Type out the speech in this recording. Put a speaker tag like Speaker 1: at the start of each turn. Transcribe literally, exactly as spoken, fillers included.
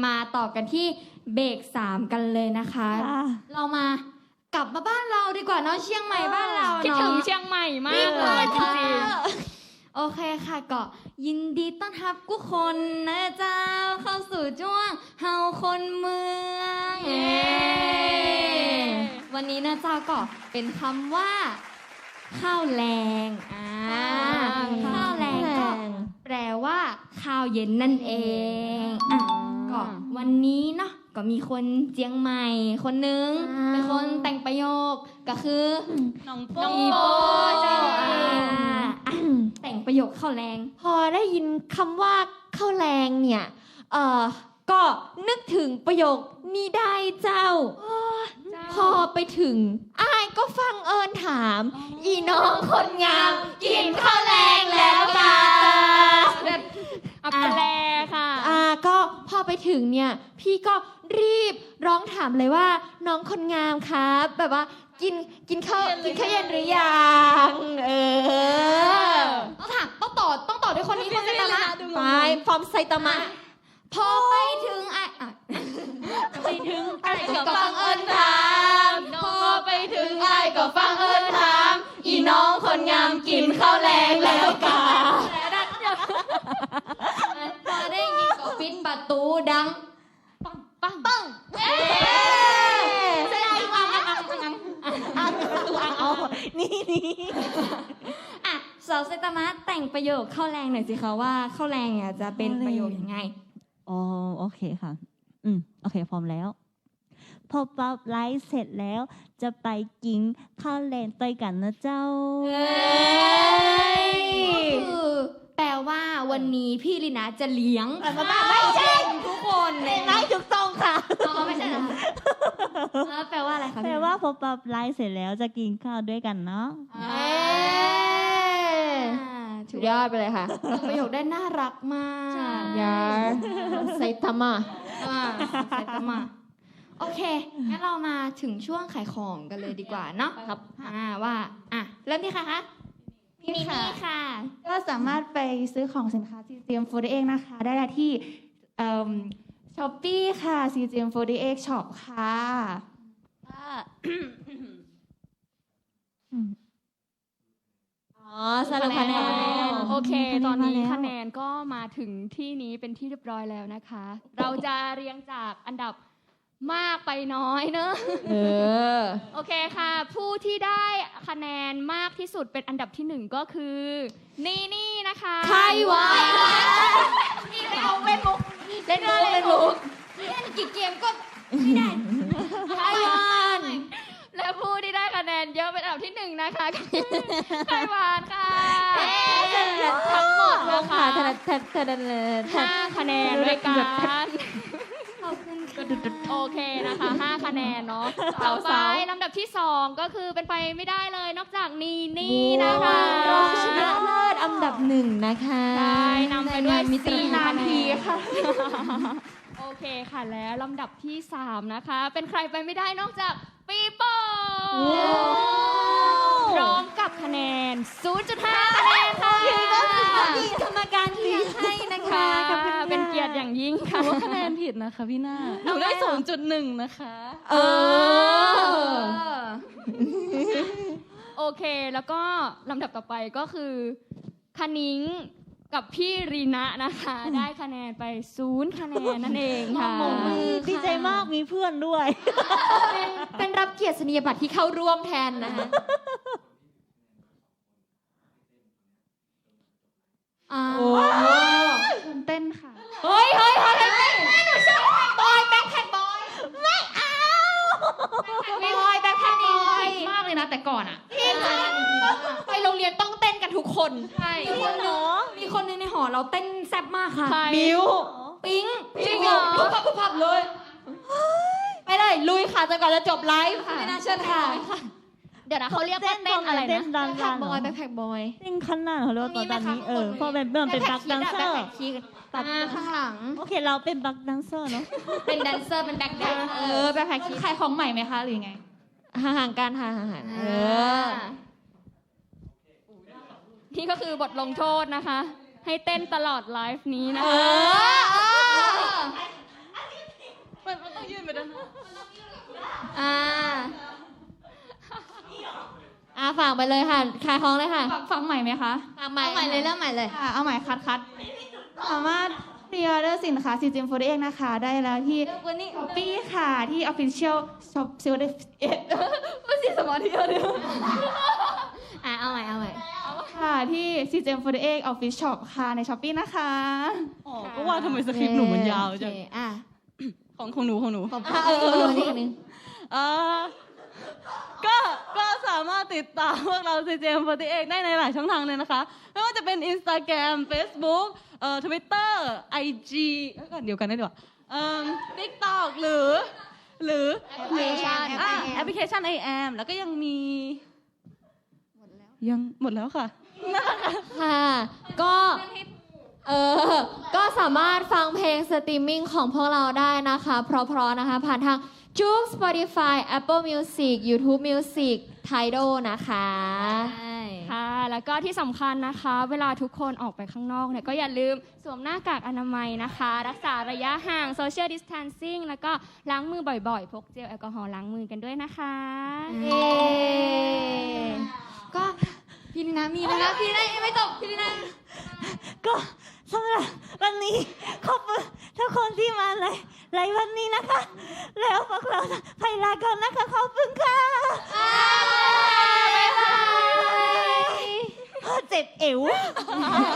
Speaker 1: มาต่อกันที่เบรกสามกันเลยนะคะเรามากลับมาบ้านเราดีกว่าเนาะเชียงใหม่บ้านเราเนาะ
Speaker 2: คิดถึงเชียงใหม่มากเลยจริง
Speaker 1: ๆโอเคค่ะก็ยินดีต้อนรับทุกคนนะเจ้าเข้าสู่ช่วงเฮาคนเมืองวันนี้นะเจ้าก็เป็นคำว่าข้าวแรงอ่าข้าวแรงก็แปลว่าข้าวเย็นนั่นเองอ่ะก็วันนี้เนาะก็มีคนเจียงใหม่คนนึงเป็นคนแต่งประโยคก็คือน้องโป้เจ้าแต่งประโยคข้าวแรง
Speaker 3: พอได้ยินคำว่าข้าวแรงเนี่ยเอ่อก็นึกถึงประโยคนี้ได้เจ้าพอไปถึงอ้ายก็ฟังเอิญถามอีน้องคนงามกินข้าวแรงแล้วค่ะ
Speaker 2: อัปแลค่ะ
Speaker 3: อ่าก็พอไปถึงเนี่ยพี่ก็รีบร้องถามเลยว่าน้องคนงามครับแบบว่ากินกินข้าวกินข้าวเย็นหรือยังเออ
Speaker 1: ต้องถามต้องต่อต้องต่อด้วยคนนี้คนไซตามะ
Speaker 3: ไปฟอร์มไซตามะ
Speaker 1: พอไปถึงไอ้
Speaker 3: ไปถึงไอ้ก็ฟังเอิญถามพอไปถึงไอ้ก็ฟังเอิญถามอีน้องคนงามกินข้าวแรงแล้วกา
Speaker 1: พอได้ยินก็ปิดประตูดังปังปังปังเอ๊ะแสดงว่าอังอังอังอังอังประตูอังเอานี่นี่อ่ะสาวไซตามะแต่งประโยคข้าวแรงหน่อยสิคะว่าข้าวแรงเนี่ยจะเป็นประโยคยังไง
Speaker 4: อ๋อโอเคค่ะอืมโอเคพร้อมแล้วพอปั๊บไลฟ์เสร็จแล้วจะไปกินข้าวแรงต่อยกันนะเจ้า
Speaker 1: เฮ้ยคือแปลว่าวันนี้พี่ลีนาจะเลี้ยง
Speaker 3: ไม่ใช่
Speaker 1: ทุกคนเลย
Speaker 3: ไม่ถูกต้องค่ะ
Speaker 1: อ๋อไม่ใช่เหรอแล้วแปลว่าอะไรคะ
Speaker 4: แปลว่าพอปั๊บไลฟ์เสร็จแล้วจะกินข้าวด้วยกันเนาะ
Speaker 3: สุดยอดไปเลยค่ะ
Speaker 1: ประโยคได้น่ารักมาก
Speaker 3: ยาไซตามะ
Speaker 1: ไซตามะโอเคงั้นเรามาถึงช่วงขายของกันเลยดีกว่าเนาะครับอ่าว่าอ่ะเริ่มที่ใครคะพี่นี่ค่ะ
Speaker 5: ก็สามารถไปซื้อของสินค้า ซี จี เอ็ม โฟร์ตี้เอ็ด นะคะได้ที่ช้อปปี้ค่ะ ซี จี เอ็ม โฟร์ตี้เอ็ด Shop ค่ะ
Speaker 3: อ๋อสรุปคะแนน
Speaker 2: โอเคตอนนี้คะแนนก็มาถึงที่นี้เป็นที่เรียบร้อยแล้วนะคะเราจะเรียงจากอันดับมากไปน้อยเนอะเออโอเคค่ะผู้ที่ได้คะแนนมากที่สุดเป็นอันดับที่หนึ่งก็คือนี่นี่นะคะ
Speaker 3: ใครวะนี่เอาเล่นมุกเล่นมุกเล่นมุก
Speaker 1: เล่นกี่เกมก็ไม่ได้
Speaker 3: ใครวาน
Speaker 2: และผู้ที่ได้คะแนนเยอะเป็นอันดับที่หนึ่งนะคะไขวานค่ะทั้งหมดนะคะห้าคะแนนด้วยกันโอเคนะคะห้าคะแนนเนาะต่อไปลำดับที่สองก็คือเป็นไปไม่ได้เลยนอกจากนี่นี่นะคะ
Speaker 3: รองชนะเลิศอันดับหนึ่งนะคะ
Speaker 2: ได้นำไปด้วยสี่
Speaker 3: นาทีค่ะ
Speaker 2: โอเคค่ะแล้วลำดับที่สามนะคะเป็นใครไปไม่ได้นอกจากปีโป้พร้อมกับคะแนน ศูนย์จุดห้า คะแนนค่ะ
Speaker 3: กรรมการเลี้ยงให้นะคะ
Speaker 2: เป็นเกียรติอย่างยิ่งค่ะ
Speaker 4: ว่าคะแนนผิดนะคะพี่หน้าหนูได้ ศูนย์จุดหนึ่ง นะคะ
Speaker 3: เออ
Speaker 2: โอเคแล้วก็ลำดับต่อไปก็คือคณิ้งกับพี่รีนะนะคะได้คะแนนไปศูนย์คะแนนนั่นเองค่ะ
Speaker 4: ดีใจมากมีเพื่อนด้วย
Speaker 3: เป็นรับเกียรตินียบัตรที่เข้าร่วมแทนนะคะ
Speaker 5: โอ้เต้นค่ะ
Speaker 3: เฮ้ยเฮ้ยเฮ้ยไม่หนูชอบบอยแบ็คแพคบอยไม่เอาบอยแบ็คแพคบอย
Speaker 1: มากเลยนะแต่ก่อนอ่ะ
Speaker 3: พี่ไปโรงเรียนต้องเต้นกันทุกคน
Speaker 1: ใช่มีคนนึงมีคนนึงในหอเราเต้นแซ่บมากค่ะ
Speaker 3: มิว
Speaker 1: ปิ๊ง
Speaker 3: จริงเหรอปุ๊บปั๊บปุ๊บปั๊บเลยไปเลยลุยค่ะจนกว่าจะจบไลฟ์ค่ะ
Speaker 1: ไม่น่าเชื่อค่ะ
Speaker 2: เดี๋ยวนะเขาเรียกว่าเต้นอะไรนะ
Speaker 4: เต้นดังๆ
Speaker 3: แบ็คแพคบอยแบ็คแพคบอย
Speaker 4: เต้นขั้นหน้าเขาเรียกว่าตอนนี้เออเพราะเป็นเป็นบักดันเซอร์
Speaker 3: ตัดข้างหลัง
Speaker 4: โอเคเราเป็นบักดันเซอร์เนาะ
Speaker 1: เป็นแดนเซอร์เป็นแบ็คแดน
Speaker 3: เออแบ็คแพค
Speaker 1: ขายของใหม่ไหมคะหรือไง
Speaker 3: ห่างๆกันห่างๆเออ
Speaker 2: นี่ก็คือบทลงโทษนะคะให้เต้นตลอดไลฟ์นี้นะคะ
Speaker 3: อ่าอ่าฝากไปเลยค่ะขายของเลยค่ะ
Speaker 5: ฟังฟังใหม่ไหมคะ
Speaker 3: ฝากใหม่เอาใหม่เลยเริ่มใหม่เลย
Speaker 5: ค่ะเอาใหม่คัดคัดสามารถพรีออเดอร์สินค้า ซี จี เอ็ม โฟร์ตี้เอ็กซ์ นะคะ ได้แล้วที่ช้อปปี้ค่ะ ที่ Official Shop ซี จี เอ็ม ไม่ใช่สมาธิเดียว
Speaker 3: อ่าเอาใหม่เอาใหม่
Speaker 5: ค่ะที่ ซี จี เอ็ม โฟร์ตี้เอ็กซ์ Official Shop ค่ะในช้อปปี้นะคะ
Speaker 4: อ๋อ ก็ว่าทำไมสคริปต์หนูมันยาวจัง
Speaker 3: โอเคอ่ะ
Speaker 4: ของของหนูของหนู
Speaker 3: อ่ะเออเออเออนี่อันนึง
Speaker 4: เอ่อก็ก็สามารถติดตามพวกเรา ซี จี เอ็ม โฟร์ตี้เอ็กซ์ ได้ในหลายช่องทางเลยนะคะ ไม่ว่าจะเป็น Instagram Facebook เอ่อ Twitter ไอ จี เอ้ยก่อนเดียวกันได้ดีกว่าเอ่อ TikTok หรือ หรือ
Speaker 3: แอปพลิเคชัน
Speaker 4: อ่ะแอปพลิเคชัน ไอ แอม แล้วก็ยังมี ยังหมดแล้วค่ะ
Speaker 3: ค่ะ ก็ เออ ก็สามารถฟังเพลงสตรีมมิ่งของพวกเราได้นะคะ เพราะๆนะคะ ผ่านทาง จุก Spotify Apple Music YouTube Music Tidal นะคะ
Speaker 2: ค่ะ แล้วก็ที่สำคัญนะคะ เวลาทุกคนออกไปข้างนอกเนี่ยก็อย่าลืมสวมหน้ากากอนามัยนะคะ รักษาระยะห่าง Social Distancing แล้วก็ล้างมือบ่อยๆ พกเจลแอลกอฮอล์ล้างมือกันด้วยนะคะ
Speaker 3: เย้ก็พี่นินามีนะคะ พี่นินายังไม่จบพี่นินา
Speaker 4: ก็สำหรับวันนี้ขอบคุณทุกคนที่มาเลยไลฟ์วันนี้นะคะ แล้วพวกเราไปลาก่อนนะคะ ขอบคุณค่ะ
Speaker 3: บ๊ายบาย
Speaker 4: เจ็บเอว